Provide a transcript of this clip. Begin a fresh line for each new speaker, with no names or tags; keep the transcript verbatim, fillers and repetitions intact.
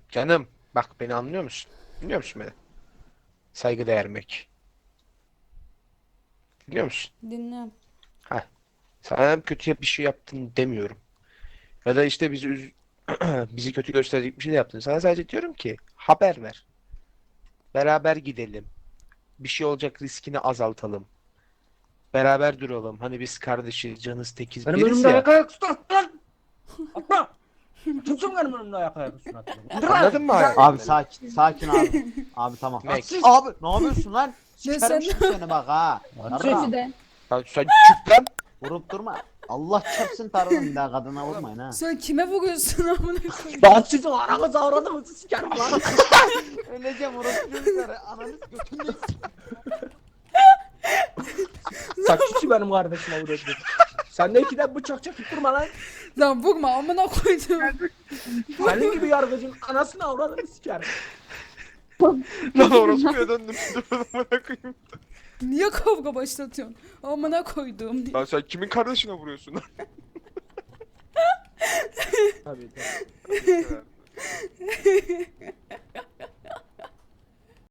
Canım bak beni anlıyor musun? Biliyor musun beni? Saygı vermek. Biliyor musun?
Dinliyorum.
Ha. Sana kötü bir şey yaptın demiyorum. Ya da işte bizi üz bizi kötü gösterecek bir şey de yaptın. Sana sadece diyorum ki haber ver. Beraber gidelim. Bir şey olacak riskini azaltalım. Beraber duralım. Hani biz kardeşiz, canız tekiz
Benim
biriz
önümde
ya.
ayak ayak üstüne atma lan. Atma. Kimsin benim önümde ayak ayak üstüne atma? İndir lan.
Anladın mı hayatım
Abi
beni?
sakin, sakin abi. Abi tamam.
Max.
Abi ne yapıyorsun lan?
Ne
Sikerim
sen-
şimdi seni bak ha.
Hadi.
Yarra.
Sözü de.
Lan sen çık lan.
Vurup durma. Allah çarpsın tarlanın bir daha kadına vurmayın ha.
Sen kime vuruyorsun amına koyayım?
Ben sizin aranızı avradınızı sikerim lan.
Öleceğim orası çocukları. Ananız götünde
Saççısı benim kardeşime vuruyor. Sen de ikiden bıçak çekip durma lan.
Lan vurma amına koydum.
Senin gibi yargıcın anasını avradını sikerim.
Lan orospuya döndüm. Dur amına koyayım.
Niye kavga başlatıyorsun? Amına koydum diye.
Lan sen kimin kardeşine vuruyorsun lan?
Tabii tabii.